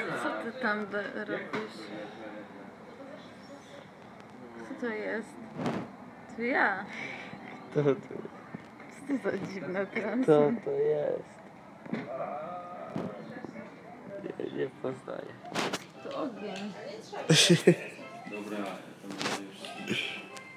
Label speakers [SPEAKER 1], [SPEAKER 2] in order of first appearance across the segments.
[SPEAKER 1] Co ty tam robisz? Co to jest? To ja.
[SPEAKER 2] Kto to?
[SPEAKER 1] Co to za dziwne transy?
[SPEAKER 2] Kto to jest? Nie poznaję.
[SPEAKER 1] To ogień.
[SPEAKER 3] Dobra, to będzie już...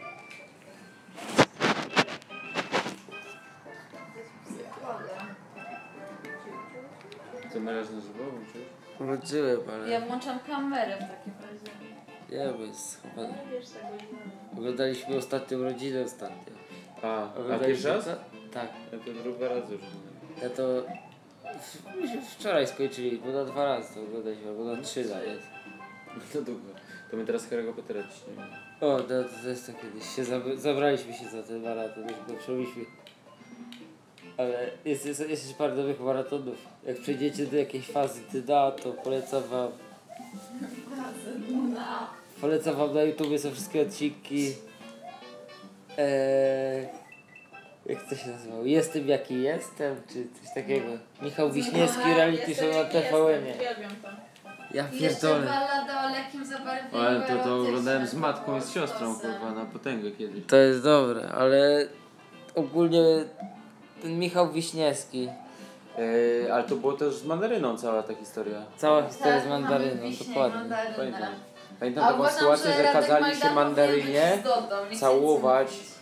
[SPEAKER 3] Co naraz na żywo włączyłeś?
[SPEAKER 2] Wróciłem, ale
[SPEAKER 1] Ja włączam kamerę w takim razie.
[SPEAKER 2] nie, bo jest schowany. Oglądaliśmy ostatnią rodzinę ostatnio.
[SPEAKER 3] A pierwszy
[SPEAKER 2] Oglądaliśmy
[SPEAKER 3] raz?
[SPEAKER 2] to? Tak.
[SPEAKER 3] Ja to drugi raz już.
[SPEAKER 2] Ja to myśmy wczoraj skończyli, bo na 2 razy to oglądaliśmy, albo na 3 nawet.
[SPEAKER 3] To długo. To my teraz Harry'ego Pottera ciśniemy.
[SPEAKER 2] O, to jest to kiedyś. Zabraliśmy się za ten maraton, już go przebyliśmy. Ale jest jeszcze parę nowych maratonów. Jak przejdziecie do jakiejś fazy dna, to polecam wam. Polecam wam na YouTube, są wszystkie odcinki. Jak to się nazywało? Jestem jaki jestem, czy coś takiego. Michał Wiśniewski, reality show na TVN-ie. Ja pierdolę.
[SPEAKER 1] Ballada o lekkim zabarwieniu.
[SPEAKER 3] Ale to oglądałem z matką i z siostrą, kurwa, na potęgę kiedyś.
[SPEAKER 2] To jest dobre, ale ogólnie ten Michał Wiśniewski.
[SPEAKER 3] Ale to było też z mandaryną cała ta historia.
[SPEAKER 2] Cała historia z mandaryną, dokładnie.
[SPEAKER 3] Pamiętam taką sytuację, że kazali się mandarynie całować